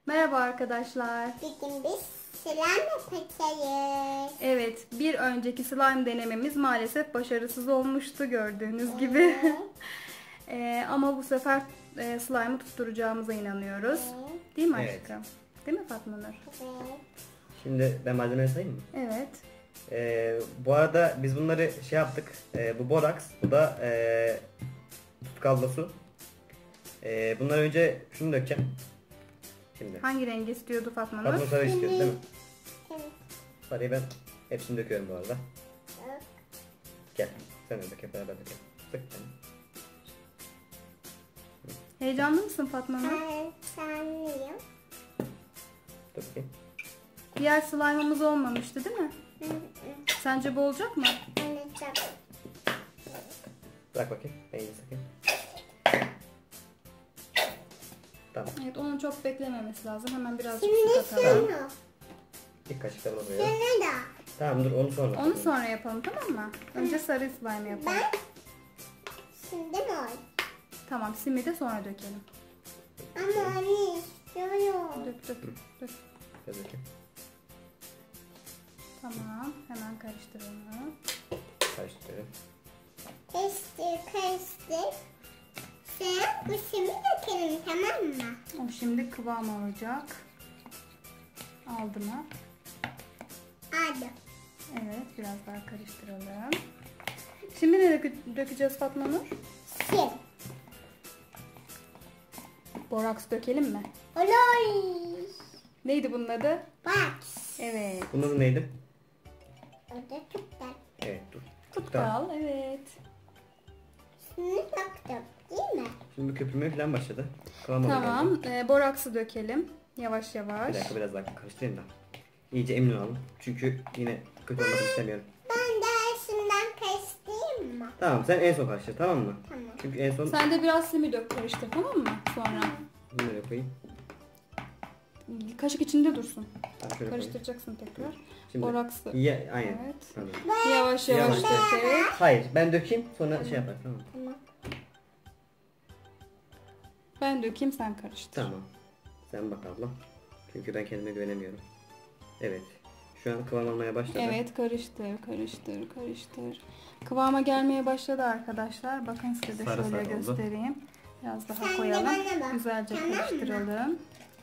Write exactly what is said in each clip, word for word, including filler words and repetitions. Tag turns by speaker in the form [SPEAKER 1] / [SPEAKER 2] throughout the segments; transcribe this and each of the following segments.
[SPEAKER 1] Merhaba arkadaşlar.
[SPEAKER 2] Bugün biz slime yapacağız.
[SPEAKER 1] Evet, bir önceki slime denememiz maalesef başarısız olmuştu gördüğünüz gibi. ee, ama bu sefer e, slime'ı tutturacağımıza inanıyoruz.
[SPEAKER 2] Evet.
[SPEAKER 1] Değil mi
[SPEAKER 3] Evet.
[SPEAKER 1] aşkım? Değil mi Fatma Nur?
[SPEAKER 2] Evet.
[SPEAKER 3] Şimdi ben malzemeleri sayayım mı?
[SPEAKER 1] Evet.
[SPEAKER 3] Ee, bu arada biz bunları şey yaptık. Ee, bu boraks, bu da ee, tutkal su. Ee, bunları önce şunu dökeceğim. Şimdi.
[SPEAKER 1] Hangi rengi istiyordu Fatma Nur?
[SPEAKER 3] Fatma sarı istiyoruz değil mi?
[SPEAKER 2] Evet.
[SPEAKER 3] Sarıyı ben hepsini döküyorum bu arada.
[SPEAKER 2] Evet.
[SPEAKER 3] Gel. Sen de dök, hep beraber dökelim. Sık yani.
[SPEAKER 1] Heyecanlı mısın Fatma Nur?
[SPEAKER 2] Ben sanıyorum.
[SPEAKER 3] Dur bakayım.
[SPEAKER 1] Diğer slime'ımız olmamıştı değil mi?
[SPEAKER 2] Hı hı.
[SPEAKER 1] Sence bu olacak mı?
[SPEAKER 2] Olacak.
[SPEAKER 3] Bırak bakayım. Ben iyi sakayım. Tamam.
[SPEAKER 1] Evet, onun çok beklememesi lazım. Hemen birazcık
[SPEAKER 2] Şimdi
[SPEAKER 1] su katalım.
[SPEAKER 2] şunu.
[SPEAKER 3] İlk kaşıkla bunu koyuyorum.
[SPEAKER 2] Şunu da.
[SPEAKER 3] Tamam dur onu sonra.
[SPEAKER 1] Onu sonra yapalım, tamam mı? Önce sarı slime yapalım.
[SPEAKER 2] Ben şimdi mor.
[SPEAKER 1] Tamam, simi de sonra dökelim.
[SPEAKER 2] Ama onu istiyorum.
[SPEAKER 1] Dök dök dök.
[SPEAKER 3] Biraz dökeyim.
[SPEAKER 1] Tamam, hemen karıştıralım.
[SPEAKER 3] Karıştırıyorum.
[SPEAKER 2] Karıştır karıştır. Sen bu şimdi dökelim, tamam mı?
[SPEAKER 1] O şimdi kıvam alacak. Aldı mı?
[SPEAKER 2] Hadi.
[SPEAKER 1] Evet, biraz daha karıştıralım. Şimdi ne dökü- dökeceğiz Fatma Nur?
[SPEAKER 2] Sil.
[SPEAKER 1] Boraks dökelim mi?
[SPEAKER 2] Olay.
[SPEAKER 1] Neydi bunun adı?
[SPEAKER 2] Bak.
[SPEAKER 1] Evet.
[SPEAKER 3] Bunun adı neydi?
[SPEAKER 2] O da çok da.
[SPEAKER 3] Evet dur.
[SPEAKER 1] Tutkal, evet.
[SPEAKER 2] Şunu taktım, değil mi?
[SPEAKER 3] Şimdi köpürmeye falan başladı. Kıvam alıyor
[SPEAKER 1] Tamam, e, boraksı dökelim. Yavaş
[SPEAKER 3] galiba.
[SPEAKER 1] yavaş.
[SPEAKER 3] Bir dakika biraz daha karıştırayım da. İyice emin olalım. Çünkü yine kötü olmasını istemiyorum.
[SPEAKER 2] Ben de şundan karıştırayım mı?
[SPEAKER 3] Tamam sen en son karıştır, tamam mı?
[SPEAKER 2] Tamam.
[SPEAKER 3] Çünkü en son
[SPEAKER 1] Sen de biraz simi dök, karıştır, tamam mı? Sonra.
[SPEAKER 3] bunları koyayım.
[SPEAKER 1] Kaşık içinde dursun.
[SPEAKER 3] Tamam, şöyle koyayım.
[SPEAKER 1] Karıştıracaksın tekrar.
[SPEAKER 3] Şimdi
[SPEAKER 1] Boraksı.
[SPEAKER 3] Ya, aynen.
[SPEAKER 1] Evet.
[SPEAKER 3] Tamam.
[SPEAKER 1] Yavaş yavaş
[SPEAKER 3] Yavaş.
[SPEAKER 1] dökerek.
[SPEAKER 3] Hayır ben dökeyim sonra şey yapar, tamam.
[SPEAKER 2] Tamam.
[SPEAKER 1] Ben dökeyim, sen karıştır.
[SPEAKER 3] Tamam. Sen bak abla. Çünkü ben kendime güvenemiyorum. Evet. Şu an kıvam almaya başladı.
[SPEAKER 1] Evet, karıştır, karıştır, karıştır. Kıvama gelmeye başladı arkadaşlar. Bakın size de
[SPEAKER 3] Sarı
[SPEAKER 1] şöyle
[SPEAKER 3] sarı oldu.
[SPEAKER 1] göstereyim. Biraz daha
[SPEAKER 2] Sen de
[SPEAKER 1] koyalım.
[SPEAKER 2] bana bak,
[SPEAKER 1] Güzelce
[SPEAKER 2] tamam mı?
[SPEAKER 1] karıştıralım.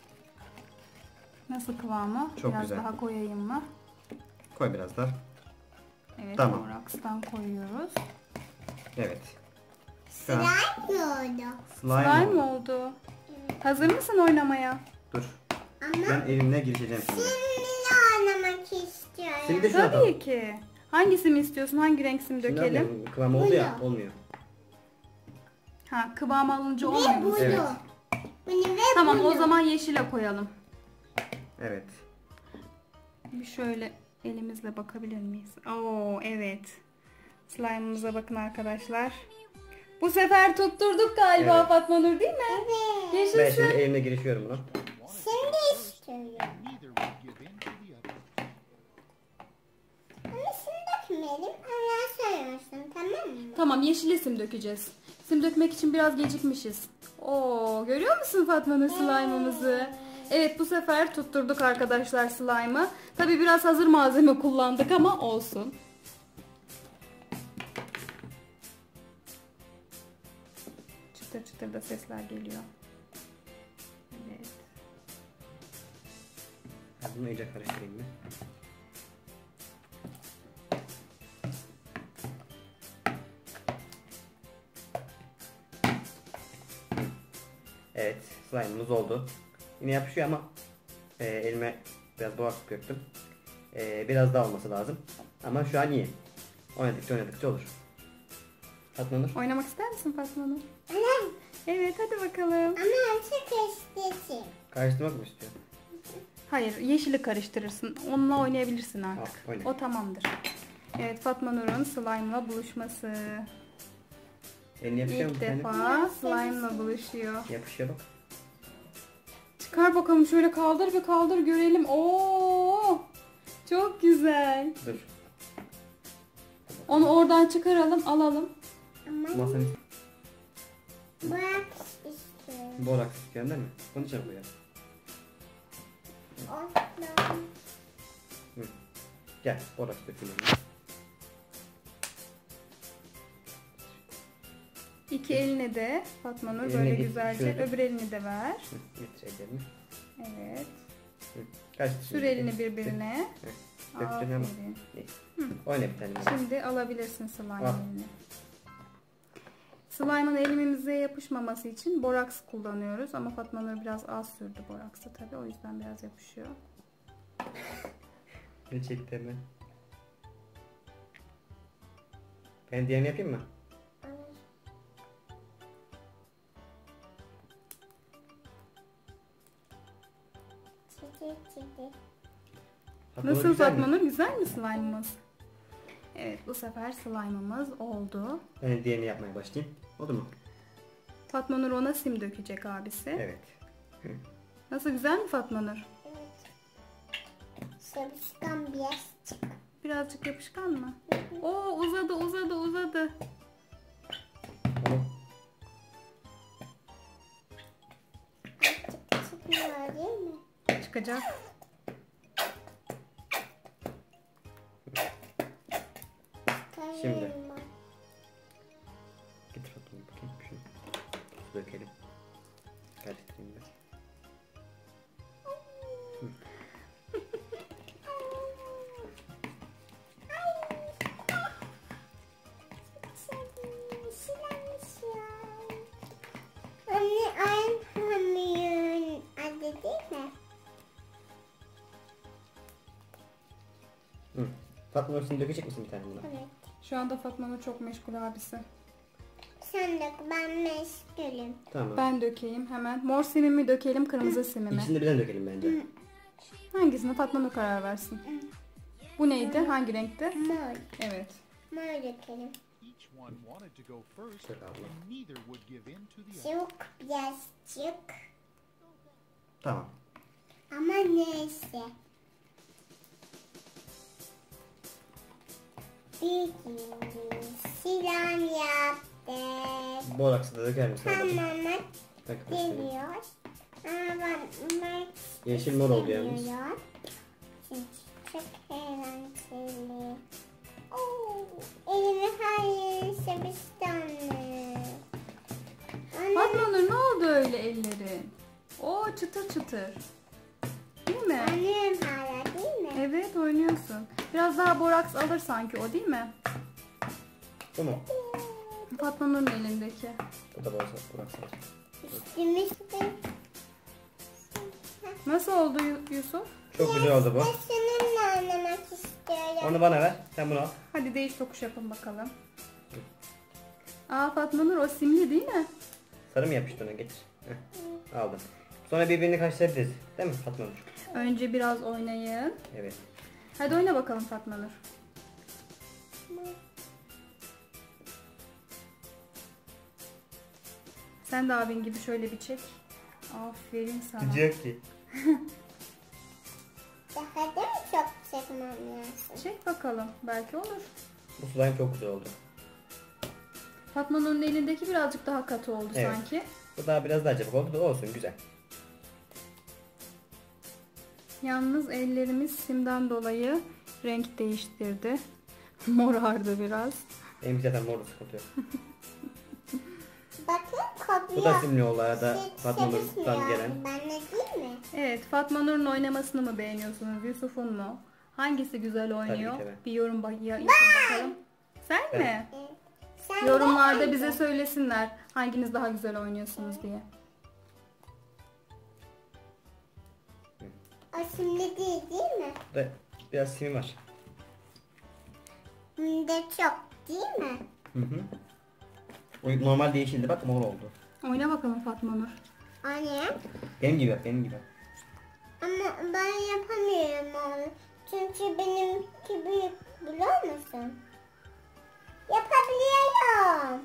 [SPEAKER 1] Nasıl kıvamı?
[SPEAKER 3] Çok
[SPEAKER 1] Biraz
[SPEAKER 3] güzel.
[SPEAKER 1] daha koyayım mı?
[SPEAKER 3] Koy biraz daha.
[SPEAKER 1] Evet,
[SPEAKER 3] Tamam.
[SPEAKER 1] borakstan koyuyoruz.
[SPEAKER 3] Evet. Şu an
[SPEAKER 2] Slime mi oldu?
[SPEAKER 3] slime,
[SPEAKER 1] Slime
[SPEAKER 3] oldu.
[SPEAKER 1] oldu. Hazır mısın oynamaya?
[SPEAKER 3] Dur.
[SPEAKER 2] Ama
[SPEAKER 3] Ben elimle girişeceğim şimdi.
[SPEAKER 2] şimdi oynamak istiyorum.
[SPEAKER 3] Şimdi de şuna
[SPEAKER 1] Tabii
[SPEAKER 3] atalım.
[SPEAKER 1] ki. Hangisini istiyorsun? Hangi renk sim
[SPEAKER 3] Şimdi
[SPEAKER 1] dökelim?
[SPEAKER 3] atıyorum. Kıvam oldu ya,
[SPEAKER 2] Bunu.
[SPEAKER 3] olmuyor.
[SPEAKER 1] Ha, kıvam alınca
[SPEAKER 2] Ve
[SPEAKER 1] olmuyor mu?
[SPEAKER 2] bunu.
[SPEAKER 3] Evet.
[SPEAKER 2] Bunu ve
[SPEAKER 1] Tamam,
[SPEAKER 2] bunu.
[SPEAKER 1] o zaman yeşile koyalım.
[SPEAKER 3] Evet.
[SPEAKER 1] Bir şöyle elimizle bakabilir miyiz? Oo, evet. Slime'ımıza bakın arkadaşlar. Bu sefer tutturduk galiba
[SPEAKER 3] Evet.
[SPEAKER 1] Fatma Nur, değil mi?
[SPEAKER 2] Evet.
[SPEAKER 3] Ben
[SPEAKER 1] Yaşasın.
[SPEAKER 3] şimdi elimle girişiyorum buna.
[SPEAKER 2] Şimdi istiyorum. Ama şimdi dökmeyelim. Ondan sonra tamam mı?
[SPEAKER 1] Tamam, yeşile sim dökeceğiz. Sim dökmek için biraz gecikmişiz. Oo, görüyor musun Fatma Nur slime'ımızı? Evet, bu sefer tutturduk arkadaşlar slime'ı. Tabii biraz hazır malzeme kullandık ama olsun. Çıtır çıtır da sesler geliyor. Evet.
[SPEAKER 3] Ben bunu iyice karıştırayım bir. Evet, slime'ımız oldu. Yine yapışıyor ama e, elime biraz boğaz döktüm. E, biraz daha olması lazım. Ama şu an iyi. Oynadıkça oynadıkça olur. Fatma Nur.
[SPEAKER 1] Oynamak ister misin Fatma Nur?
[SPEAKER 2] Anam.
[SPEAKER 1] Evet, hadi bakalım.
[SPEAKER 2] Ama önce karıştırayım.
[SPEAKER 3] Karıştırmak mı istiyor?
[SPEAKER 1] Hayır, yeşili karıştırırsın. Onunla oynayabilirsin artık.
[SPEAKER 3] Al, oyna.
[SPEAKER 1] O tamamdır. Evet, Fatma Nur'un slime'la buluşması.
[SPEAKER 3] Elini yapışıyor mu?
[SPEAKER 1] İlk
[SPEAKER 3] senin?
[SPEAKER 1] defa slime'la buluşuyor.
[SPEAKER 3] Yapışıyor bak.
[SPEAKER 1] Çıkar bakalım, şöyle kaldır bir kaldır görelim. Oo! Çok güzel.
[SPEAKER 3] Dur.
[SPEAKER 1] Onu oradan çıkaralım, alalım.
[SPEAKER 2] Ama
[SPEAKER 3] Masanın
[SPEAKER 2] bırak istiyorum.
[SPEAKER 3] boraks istiyorsun değil mi? Bunun içine koyalım.
[SPEAKER 2] Olsun.
[SPEAKER 3] Hı. Gel boraks dökülelim.
[SPEAKER 1] İki eline de Fatma Nur
[SPEAKER 3] Eline
[SPEAKER 1] böyle
[SPEAKER 3] getir,
[SPEAKER 1] güzelce,
[SPEAKER 3] şöyle.
[SPEAKER 1] öbür elini de ver.
[SPEAKER 3] Hı, getir ellerini.
[SPEAKER 1] Evet.
[SPEAKER 3] Hı. Kaçtı
[SPEAKER 1] Sür
[SPEAKER 3] şimdi?
[SPEAKER 1] elini birbirine.
[SPEAKER 3] Hı. Döktün ama.
[SPEAKER 1] Aferin.
[SPEAKER 3] Neyse.
[SPEAKER 1] Hı.
[SPEAKER 3] Oyna bir tane.
[SPEAKER 1] Şimdi alabilirsin slime
[SPEAKER 3] Al.
[SPEAKER 1] elini. Slime'ın elimize yapışmaması için boraks kullanıyoruz ama Fatma Nur biraz az sürdü boraksı tabii, o yüzden biraz yapışıyor.
[SPEAKER 3] Ne çekti hemen? Ben diğerini yapayım mı?
[SPEAKER 2] Çiçek çiçek.
[SPEAKER 3] Fatma Nur
[SPEAKER 1] Nasıl
[SPEAKER 3] güzel
[SPEAKER 1] Fatma
[SPEAKER 3] mi?
[SPEAKER 1] Nur, güzel mi slime'ımız? Evet, bu sefer slime'ımız oldu.
[SPEAKER 3] Ben diğerini yapmaya başlayayım. Oldu mu?
[SPEAKER 1] Fatma Nur ona sim dökecek abisi.
[SPEAKER 3] Evet. Hı.
[SPEAKER 1] Nasıl, güzel mi Fatma Nur?
[SPEAKER 2] Evet. Sabışkan biraz çık.
[SPEAKER 1] Birazcık yapışkan mı? Oo, uzadı uzadı uzadı.
[SPEAKER 3] Tamam.
[SPEAKER 2] Çıkmıyor değil mi?
[SPEAKER 1] Çıkacak.
[SPEAKER 3] Şimdi.
[SPEAKER 2] Çıkarıyorum ben.
[SPEAKER 3] Getir Fatma Nur bakayım. Şunu. Su dökelim. Karıştırayım ben.
[SPEAKER 2] Anne Ayhan'ın adı değil mi?
[SPEAKER 3] Hı. Fatma Nur, şimdi dökecek misin bir tane buna?
[SPEAKER 2] Evet.
[SPEAKER 1] Şu anda Fatma Nur çok meşgul abisi.
[SPEAKER 2] Sen de ben meşgulüm.
[SPEAKER 3] Tamam.
[SPEAKER 1] Ben dökeyim hemen. Mor simimi dökelim, kırmızı simimi.
[SPEAKER 3] İkisini de birden dökelim bence.
[SPEAKER 1] Hangisini Fatma Nur karar versin. Bu neydi? Hangi renkte?
[SPEAKER 2] Mor.
[SPEAKER 1] Evet.
[SPEAKER 2] Mor dökelim.
[SPEAKER 4] Each one wanted to go first,
[SPEAKER 3] Şöyle abla.
[SPEAKER 4] and neither would give in to the other.
[SPEAKER 2] Çok birazcık.
[SPEAKER 3] Tamam.
[SPEAKER 2] Ama neyse. Bir gün silah yaptık.
[SPEAKER 3] Boraksı da döker misin? ablacığım?
[SPEAKER 2] Tamam
[SPEAKER 3] Bak göstereyim.
[SPEAKER 2] geliyor. Ama ben
[SPEAKER 3] Yeşil mor oldu yalnız.
[SPEAKER 2] istemiyorum. Çünkü çok eğlenceli. Oo, elimi her yere sebiştanlı.
[SPEAKER 1] Fatma Nur, ne oldu öyle ellerin? Oo, çıtır çıtır. Değil mi?
[SPEAKER 2] Anlıyorum hala değil mi?
[SPEAKER 1] Evet, oynuyorsun. Biraz daha boraks alır sanki o, değil mi?
[SPEAKER 3] Bu mu?
[SPEAKER 1] Fatma Nur'un elindeki.
[SPEAKER 3] Bu da boraksı. Boraksı.
[SPEAKER 2] Üstümü üstüm.
[SPEAKER 1] Nasıl oldu Yu- Yusuf?
[SPEAKER 3] Çok güzel oldu bu.
[SPEAKER 2] Ben seninle oynamak istiyorum.
[SPEAKER 3] Onu bana ver. Sen bunu al.
[SPEAKER 1] Hadi değiş tokuş yapın bakalım. Aa, Fatma Nur, o simli değil mi?
[SPEAKER 3] Sarı mı yapıştı ona? Getir. Heh. Aldım. Sonra birbirini karşılayabiliriz. Değil mi Fatma Nur?
[SPEAKER 1] Önce biraz oynayın.
[SPEAKER 3] Evet.
[SPEAKER 1] Hadi oyna bakalım Fatma Nur. Sen de abin gibi şöyle bir çek. Aferin sana.
[SPEAKER 3] Sıcak ki.
[SPEAKER 2] Daha da mı çok çekmem lazım?
[SPEAKER 1] Çek bakalım. Belki olur.
[SPEAKER 3] Bu slime çok güzel oldu.
[SPEAKER 1] Fatma Nur'un elindeki birazcık daha katı oldu
[SPEAKER 3] Evet.
[SPEAKER 1] sanki.
[SPEAKER 3] Bu daha biraz daha çabuk oldu da olsun, güzel.
[SPEAKER 1] Yalnız ellerimiz simden dolayı renk değiştirdi. Morardı biraz.
[SPEAKER 3] Benim zaten morda sıkıntı yok.
[SPEAKER 2] Bakın kopuyor.
[SPEAKER 3] Bu da simli oldu arada
[SPEAKER 2] Hiç
[SPEAKER 3] Fatma Nur'dan
[SPEAKER 2] sevişmiyor.
[SPEAKER 3] gelen.
[SPEAKER 2] Ben de değil mi?
[SPEAKER 1] Evet, Fatma Nur'un oynamasını mı beğeniyorsunuz, Yusuf'un mu? Hangisi güzel oynuyor?
[SPEAKER 3] Tabii ki
[SPEAKER 1] Bir yorum bak ya- yapın bakalım. Sen
[SPEAKER 3] Ben.
[SPEAKER 1] mi?
[SPEAKER 2] Evet. Sen
[SPEAKER 1] Yorumlarda
[SPEAKER 2] de-
[SPEAKER 1] bize söylesinler hanginiz daha güzel oynuyorsunuz diye.
[SPEAKER 2] O şimdi değil değil mi?
[SPEAKER 3] Burada biraz simi var.
[SPEAKER 2] Hem de çok değil mi?
[SPEAKER 3] Hı hı. O normal yeşildi, bak mor oldu.
[SPEAKER 1] Oyna bakalım Fatma Nur.
[SPEAKER 2] Anne.
[SPEAKER 3] Benim gibi yap, benim gibi. yap.
[SPEAKER 2] Ama ben yapamıyorum onu. Çünkü benimki büyük, biliyor musun? Yapabiliyorum.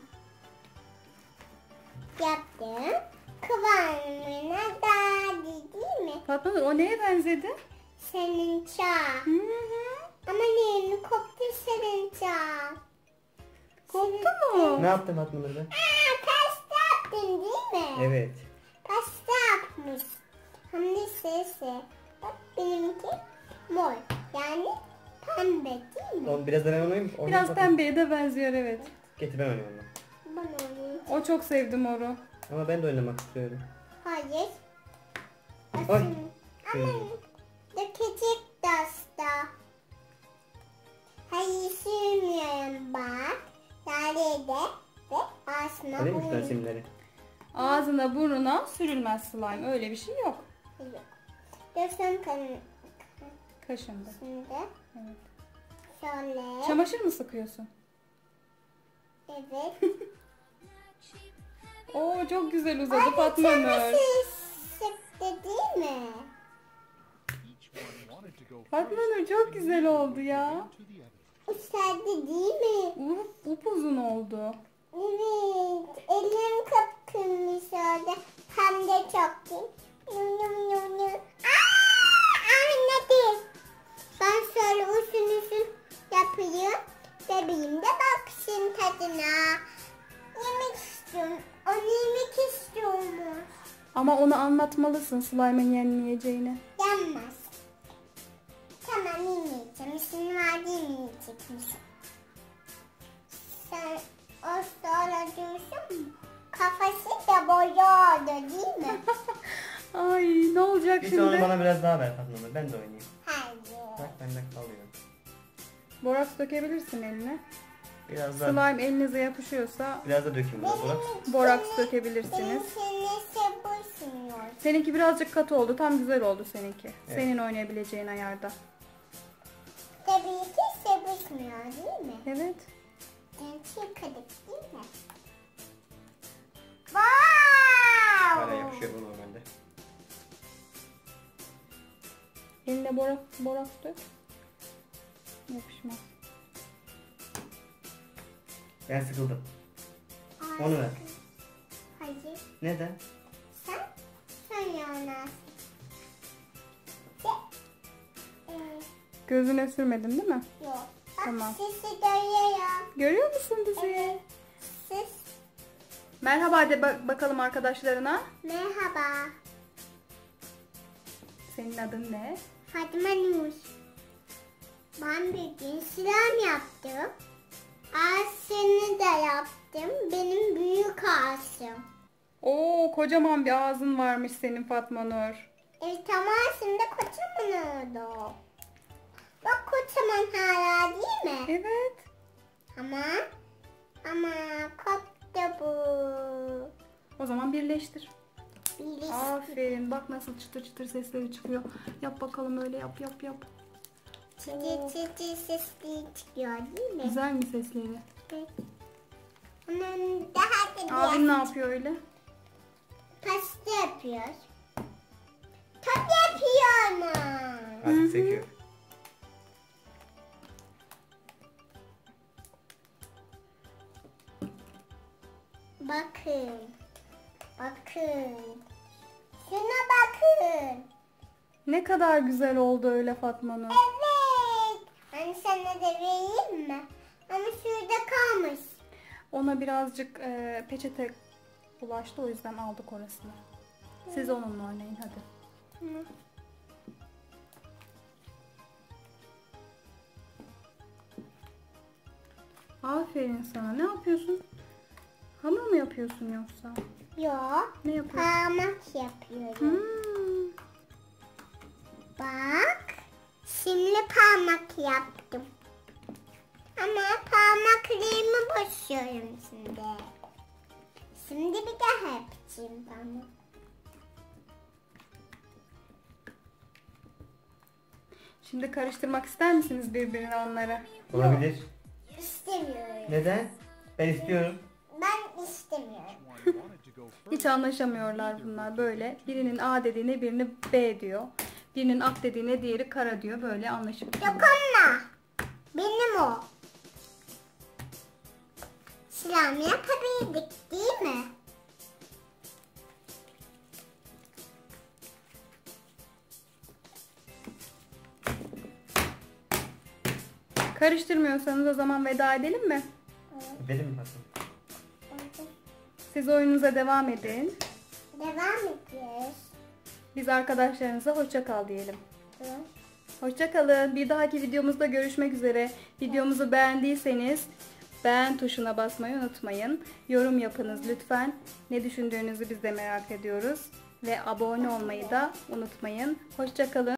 [SPEAKER 2] Yaptım. Kıvamına geldi değil mi?
[SPEAKER 1] Fatma Nur, o neye benzedi?
[SPEAKER 2] Senin çağ.
[SPEAKER 1] Hı hı.
[SPEAKER 2] Ama neyini koptu senin çağ.
[SPEAKER 1] Koptu mu?
[SPEAKER 3] Ne yaptın Fatma Nur'da?
[SPEAKER 2] Aa, pasta yaptın değil mi?
[SPEAKER 3] Evet.
[SPEAKER 2] Pasta yapmış. Hem de sesi. Bak benimki mor. Yani pembe değil mi?
[SPEAKER 3] O biraz da ben oynayayım. Oynayayım
[SPEAKER 1] Biraz
[SPEAKER 3] bakayım.
[SPEAKER 1] pembeye de benziyor evet.
[SPEAKER 3] Getir ben oynayayım onunla.
[SPEAKER 2] Ben oynayayım.
[SPEAKER 1] O çok sevdi moru.
[SPEAKER 3] Ama ben de oynamak istiyorum.
[SPEAKER 2] Hayır.
[SPEAKER 3] Ay.
[SPEAKER 2] Aslında.
[SPEAKER 3] Şöyle.
[SPEAKER 2] Ama dökecek dasta. Hayır sürmüyorum bak. Nerede ve aslında
[SPEAKER 3] Öyle mi
[SPEAKER 2] bu
[SPEAKER 3] sen simleri?
[SPEAKER 1] Ağzına burnuna sürülmez slime. Öyle bir şey yok.
[SPEAKER 2] yok. Görsem kanı
[SPEAKER 1] Kaşındı.
[SPEAKER 2] şimdi.
[SPEAKER 1] Evet.
[SPEAKER 2] Şöyle.
[SPEAKER 1] Çamaşır mı sıkıyorsun?
[SPEAKER 2] Evet.
[SPEAKER 1] Oo çok güzel uzadı
[SPEAKER 2] Ay,
[SPEAKER 1] Fatma Nur.
[SPEAKER 2] çamaşır sıktı değil mi?
[SPEAKER 4] Each one wanted to go
[SPEAKER 1] Fatma
[SPEAKER 4] first.
[SPEAKER 1] Nur çok güzel oldu ya.
[SPEAKER 4] To the oven.
[SPEAKER 2] Uçardı değil mi?
[SPEAKER 1] Up, upuzun oldu.
[SPEAKER 2] Evet. Elim kıpkırmızı oldu. Hem de çok iyi. Yum yum yum yum. Aa, anladım. Ben şöyle uzun uzun yapayım. Bebeğim de baksın tadına. Yemek istiyorum. Onu yemek istiyormuş.
[SPEAKER 1] Ama onu anlatmalısın slime'ın yenmeyeceğini.
[SPEAKER 2] Yanmaz. Tamam yemeyeceğim. İşin vardı yemeyecekmiş. Sen o sonra diyorsun mu? Kafası da boya oldu değil mi?
[SPEAKER 1] Ay ne olacak
[SPEAKER 3] Bir sonra
[SPEAKER 1] şimdi?
[SPEAKER 3] bana biraz daha ver Fatma Nur. Ben de oynayayım.
[SPEAKER 2] Hayır.
[SPEAKER 3] Bak bende kalıyor.
[SPEAKER 1] Boraks dökebilirsin eline.
[SPEAKER 3] Biraz da
[SPEAKER 1] Slime elinize yapışıyorsa
[SPEAKER 3] biraz da dökeyim biraz Burak.
[SPEAKER 1] boraks dökebilirsiniz.
[SPEAKER 2] Benimkini sevişmiyor.
[SPEAKER 1] Seninki birazcık katı oldu. Tam güzel oldu seninki.
[SPEAKER 3] Evet.
[SPEAKER 1] Senin oynayabileceğin ayarda.
[SPEAKER 2] Tabii ki sevişmiyor değil mi?
[SPEAKER 1] Evet.
[SPEAKER 2] Genç yıkadık değil mi?
[SPEAKER 3] Hala
[SPEAKER 2] Wow!
[SPEAKER 3] yapışıyor bu normalde.
[SPEAKER 1] Eline borak, boraks dök. Yapışmaz.
[SPEAKER 3] Ben sıkıldım.
[SPEAKER 2] Ay,
[SPEAKER 3] Onu ver.
[SPEAKER 2] Hayır.
[SPEAKER 3] Neden?
[SPEAKER 2] Sen? Sen yanarsın. De. Ee,
[SPEAKER 1] Gözüne sürmedin değil mi?
[SPEAKER 2] yok. Bak
[SPEAKER 1] Tamam.
[SPEAKER 2] sesi duyuyorum.
[SPEAKER 1] Görüyor musun bizi?
[SPEAKER 2] Evet. Siz.
[SPEAKER 1] Merhaba de bak- bakalım arkadaşlarına.
[SPEAKER 2] Merhaba.
[SPEAKER 1] Senin adın ne?
[SPEAKER 2] Fatma Nur. Ben bir gün slime yaptım. Ağzını da yaptım. Benim büyük ağzım.
[SPEAKER 1] Oo kocaman bir ağzın varmış senin Fatma Nur.
[SPEAKER 2] Evet ama şimdi kocaman oldu. Bak kocaman hala değil mi?
[SPEAKER 1] Evet.
[SPEAKER 2] Ama ama koptu bu.
[SPEAKER 1] O zaman birleştir.
[SPEAKER 2] Birisi.
[SPEAKER 1] Aferin. Bak nasıl çıtır çıtır sesleri çıkıyor. Yap bakalım öyle yap yap yap.
[SPEAKER 2] Çıtı çıtı sesli çıkıyor değil mi?
[SPEAKER 1] Güzel mi sesleri?
[SPEAKER 2] Evet. Onun daha da
[SPEAKER 1] Abin ne
[SPEAKER 2] biraz
[SPEAKER 1] yapıyor öyle?
[SPEAKER 2] pasta yapıyor. Top yapıyor mu?
[SPEAKER 3] Artık sekiyor.
[SPEAKER 2] Bakın. Bakın. Şuna bakın.
[SPEAKER 1] Ne kadar güzel oldu öyle Fatma Nur.
[SPEAKER 2] Evet. Ben sana da vereyim mi? Ama şurada kalmış.
[SPEAKER 1] Ona birazcık e, peçete bulaştı o yüzden aldık orasını. Siz onunla oynayın hadi.
[SPEAKER 2] Hı.
[SPEAKER 1] Aferin sana. Ne yapıyorsun? Hamur mu yapıyorsun yoksa?
[SPEAKER 2] Yok.
[SPEAKER 1] Ne yapıyorsun?
[SPEAKER 2] Parmak yapıyorum.
[SPEAKER 1] Hmm.
[SPEAKER 2] Bak. Şimdi parmak yaptım. Ama parmaklarımı basıyorum şimdi. Şimdi bir daha yapacağım parmak.
[SPEAKER 1] Şimdi karıştırmak ister misiniz birbirine onları?
[SPEAKER 3] Olabilir.
[SPEAKER 2] İstemiyorum.
[SPEAKER 3] Neden? Ben istiyorum.
[SPEAKER 2] Ben istemiyorum.
[SPEAKER 4] Each one wanted to go first.
[SPEAKER 1] Hiç anlaşamıyorlar bunlar böyle. Birinin A dediğine birini B diyor. Birinin ak dediğine diğeri kara diyor. Böyle anlaşıp duruyor.
[SPEAKER 2] Dokunma. Benim o. Slime yapabildik değil mi?
[SPEAKER 1] Karıştırmıyorsanız o zaman veda edelim mi?
[SPEAKER 3] Benim mi Fatma?
[SPEAKER 1] Siz oyununuza devam edin.
[SPEAKER 2] Devam ediyoruz.
[SPEAKER 1] Biz arkadaşlarınıza hoşça kal diyelim.
[SPEAKER 2] Hı.
[SPEAKER 1] Hoşça kalın. Bir dahaki videomuzda görüşmek üzere. Videomuzu beğendiyseniz beğen tuşuna basmayı unutmayın. Yorum yapınız lütfen. Ne düşündüğünüzü biz de merak ediyoruz. Ve abone olmayı da unutmayın. Hoşça kalın.